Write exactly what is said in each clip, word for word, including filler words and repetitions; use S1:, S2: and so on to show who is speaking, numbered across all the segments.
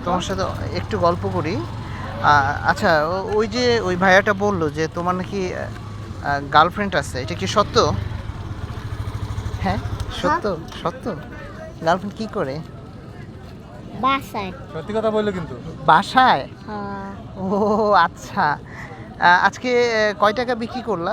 S1: তোমার সাথে একটু গল্প করি। আ- আচ্ছা, ও- ওই যে ওই ভাইয়াটা বললো যে তোমার নাকি গার্লফ্রেন্ড আছে, এটা কি সত্য? হ্যাঁ, সত্য সত্য। গার্লফ্রেন্ড কি করে?
S2: বাসায়।
S3: সত্যি কথা বললো কিন্তু।
S1: বাসায়?
S2: হ্যাঁ।
S1: ও আচ্ছা। আ, আজকে কয় টাকা বিক্রি করলা?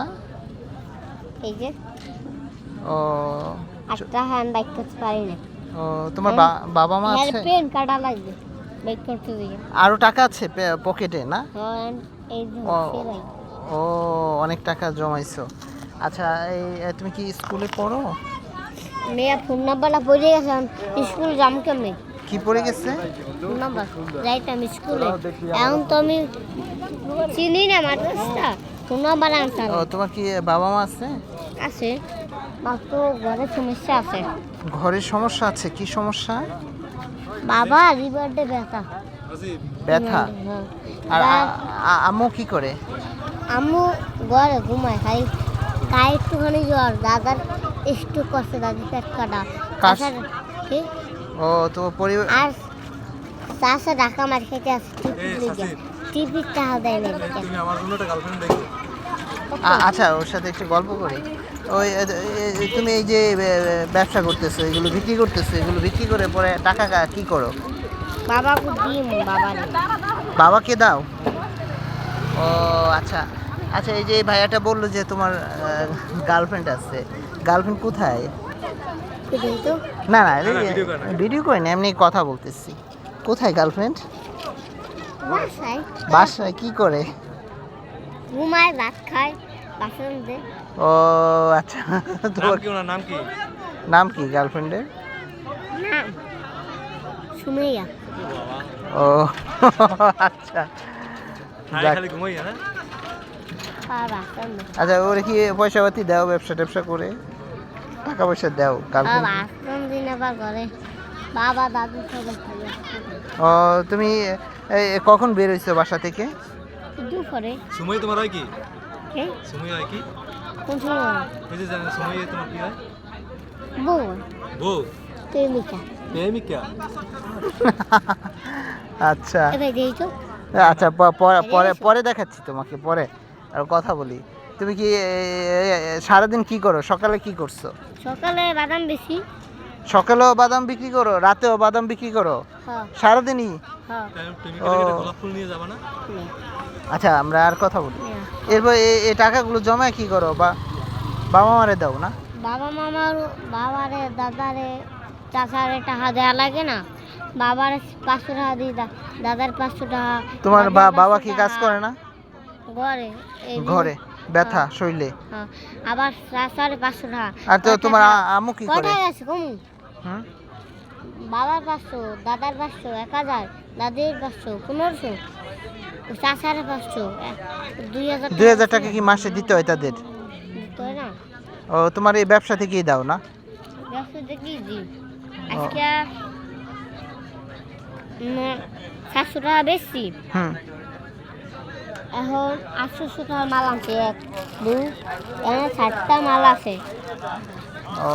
S2: এই যে
S1: ও
S2: একটা হ্যান্ড বাইক করতে পারি না।
S1: ও তোমার বা- বাবা মা
S2: হ্যাঁ,
S1: আছে?
S2: পেন কাটা লাগবে বাইক করতে দিয়ে।
S1: আরো টাকা আছে পে- পকেটে না?
S2: হ্যাঁ, এই যে
S1: ও
S2: সেলাই।
S1: ও অনেক টাকা জমাইছো। আচ্ছা, এই এ, তুমি কি স্কুলে পড়ো?
S2: মেয়ে ফোন নাম্বারটা পড়ে গেছে, স্কুল যাম কেমনে?
S1: কি পড়ে গেছে?
S2: ফোন নাম্বার যাইতাম স্কুলে, এখন তো আমি চিনি না মাদ্রাসটা, ফোন নাম্বার আনতাম।
S1: ও তোমার কি বাবা মা আছে?
S2: আছে, মাত্র ঘরে সমস্যা আছে।
S1: ঘরের সমস্যা আছে? কি সমস্যা?
S2: বাবা লিভারডে ব্যথা।
S1: ব্যথা?
S2: হ্যাঁ।
S1: আর
S2: বা-
S1: আ- আ- আম্মু কি করে?
S2: আম্মু ঘরে ঘুমায়, খাই গায়ে একটুখানি জ্বর, দাদার একটু কষ্ট, দাদি পেট কাটা।
S1: কাশ?
S2: তাছাড়া- কি?
S1: ও তোমার পরিবার?
S2: আর চাষা ঢাকা মার খেতে আছে
S3: এই সাসি,
S2: টিভির টাকা দেয় না এদিকে।
S3: তুমি আমার জন্য একটা গার্লফ্রেন্ড দেখো।
S1: আ- আচ্ছা, ওর সাথে একটু গল্প করি। ওই এ, এ, এ, তুমি এই যে এ, এ, ব্যবসা করতেছো, এগুলো বিক্রি করতেছো, এগুলো বিক্রি করে পরে টাকা কা- কি করো?
S2: বাবাকে দিম, বাবারে
S1: বাবাকে দাও? ও আচ্ছা। আচ্ছা, এই যে এই ভাইয়াটা বললো যে তোমার গার্লফ্রেন্ড আছে, গার্লফ্রেন্ড কোথায়?
S2: দিই তো।
S1: না না,
S3: না, video করে না।
S1: ভিডিও করি না, এমনি কথা বলতেছি। কোথায় গার্লফ্রেন্ড?
S2: বাসায়
S1: বাসায় কি করে?
S2: ঘুমায়, ভাত খায়, বাসন দে।
S1: ও আচ্ছা।
S3: নাম
S1: তোমার
S3: কি ওনার নাম কি?
S1: নাম কি গার্লফ্রেন্ডের?
S2: না, সুমাইয়া।
S1: ও আচ্ছা।
S3: খালি
S1: যাক।
S3: খালি ঘুমাই হ্যাঁ?
S2: আর বাসন দে।
S1: আচ্ছা, ওরে কি পয়সা পাতি দাও ব্যবসা ট্যাবসা করে? টাকা পয়সা দাও
S2: আর
S1: গার্লফ্রেন্ড?
S2: বাসন দিন আবার ঘরে বাবা দাদু সবাই খাবে।
S1: ও তুমি এই কখন বের হইছো বাসা থেকে?
S2: দুপুরে।
S3: সুমই তোমার হয় কি?
S2: কে?
S3: সুমই হয় কি?
S2: কোন সময়?
S3: ওই যে জানেন সুমই তোমার কি হয়?
S2: বউ,
S3: বউ?
S2: প্রেমিকা।
S3: প্রেমিকা?
S1: আচ্ছা
S2: এবার দিই তো।
S1: আচ্ছা, প- পরে পরে পরে দেখাচ্ছি তোমাকে, পরে আর কথা বলি। তুমি কি এ, এ, এ, সারাদিন কি করো? সকালে কি করছো?
S2: সকালে বাদাম বেশি।
S1: সকালেও বাদাম বিক্রি করো, রাতেও বাদাম বিক্রি করো,
S2: হ্যাঁ,
S1: সারাদিনই?
S2: হ্যাঁ।
S3: প্রেমিকা থেকে একটা গোলাপ ফুল নিয়ে যাবা না?
S2: নে,
S1: আচ্ছা, আমরা আর কথা বলি।
S2: নে।
S1: এরপর এই এই টাকাগুলো জমায় কি করো? বা বাবা মারে দাও না?
S2: বাবা মামার, বাবারে দাদারে চাচারে টাকা দেওয়া লাগে না? বাবার পাঁচশো টাকা দিই, দা- দাদার পাঁচশো টাকা।
S1: তোমার
S2: দাদির
S1: বা-
S2: পাঁচশো
S1: বাবা কি কাজ
S2: টাকা।
S1: করে না?
S2: ঘরে এই যে-
S1: ঘরে ব্যথা শরীরে?
S2: হ্যাঁ, আবার চাচারে পাঁচশো টাকা।
S1: আর তো
S2: কয়
S1: তোমার
S2: টাকা?
S1: আ- আম্মু কি করে?
S2: কয়টায় আছে কমু?
S1: হুম?
S2: বাবার পাঁচশো, দাদার পাঁচশো, এক হাজার, দাদির পাঁচশো, পনেরোশো, চাচারে পাঁচশো, এক- দুই হাজার
S1: দুই হাজার টাকা কি মাসে দিতে হয় তাদের?
S2: দিতে হয় না?
S1: ও তোমার এই ব্যবসা থেকেই দাও না?
S2: ব্যবসা দেখি জি। আজকে উম, সাতশো টাকা বেশি,
S1: হুম।
S2: এখন আটশোশো টাকা মাল আনছে, এক দুই এখানে ষাটটা মাল আছে।
S1: ও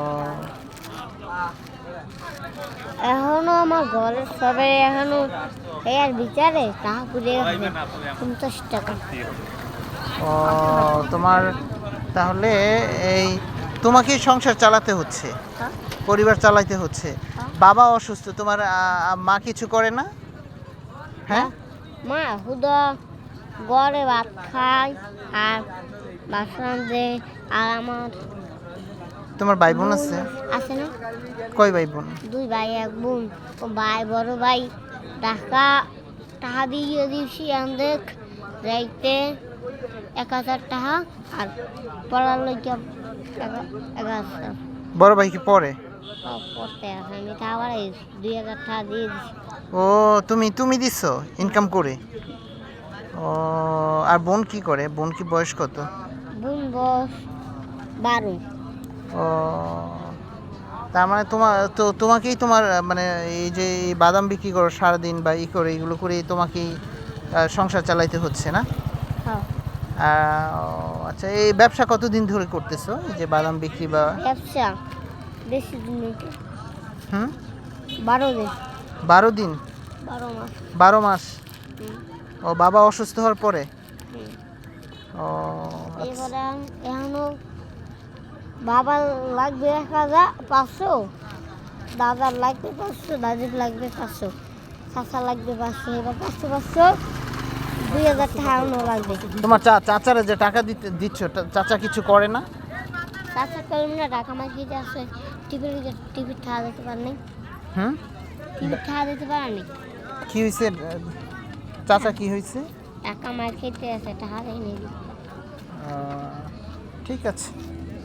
S2: এখনো আমার ঘরের সবাই এখনো এই আর বিচারে টাকা পুড়ে গেছে পঞ্চাশ টাকা।
S1: ও তোমার তাহলে এই তোমাকেই সংসার চালাতে হচ্ছে,
S2: হ্যাঁ?
S1: পরিবার চালাতে হচ্ছে।
S2: হ্যাঁ।
S1: বাবা অসুস্থ, তোমার আ, আ, মা কিছু করে না? হ্যাঁ?
S2: মা হুদা ঘরে ভাত খায় আর বাসন দে। আর আমার
S1: তোমার ভাই বোন আছে?
S2: আছে না,
S1: কয় ভাই বোন?
S2: দুই ভাই এক বোন। ও ভাই বড় ভাই টাকা টাকা দিয়ে দিয়েছি আমাদের যাইতে এক হাজার টাকা, আর পড়ার লইয়া এক হাজার।
S1: বড় ভাই কি পড়ে?
S2: সব করতে আছে, আমি তা আবার এই দুই হাজার টাকা দিয়ে দিছি।
S1: ও তুমি তুমি দিছো ইনকাম করে? ও আর বোন কি করে? বোন কি বয়স কত?
S2: বোন বস বারো।
S1: ও তার মানে তোমার তো তোমাকেই তোমার আহ, মানে এই যে এই বাদাম বিক্রি করো সারাদিন বা ই করে এগুলো করে তোমাকেই আহ, সংসার চালাইতে হচ্ছে না?
S2: হ্যাঁ,
S1: আহ, ও, আচ্ছা, এই ব্যবসা কতদিন ধরে করতেছো, এই যে বাদাম বিক্রি বা?
S2: ব্যবসা বেশি দিন হইতে
S1: হুম?
S2: বারো দিন।
S1: বারো দিন?
S2: বারো মাস
S1: বারো মাস।
S2: হুম,
S1: ও বাবা অসুস্থ হওয়ার পরে।
S2: হুম।
S1: ও আচ্ছা।
S2: এবারে এখন- এখনো বাবার লাগবে এক হাজার পাঁচশো, দাদার লাগবে পাঁচশো, দাদির লাগবে পাঁচশো, চাচা লাগবে পাঁচশো, এবার পাঁচশো পাঁচশো দুই হাজার টাকা এখনো লাগবে।
S1: তোমার চা চাচারা যে টাকা দিতে দিচ্ছ টা- চাচা কিছু করে না?
S2: চাচা কলম না টাকা মার খেতে আসে, টিভির টিভির ঠাড়া দিতে পারেনি,
S1: হুম।
S2: টিভির ঠাড়া দিতে পারেনি,
S1: কি হয়েছে চাচা, কি হয়েছে?
S2: টাকা মার খেতে আসে, টাকা দেয়নি।
S1: আহ, ঠিক আছে।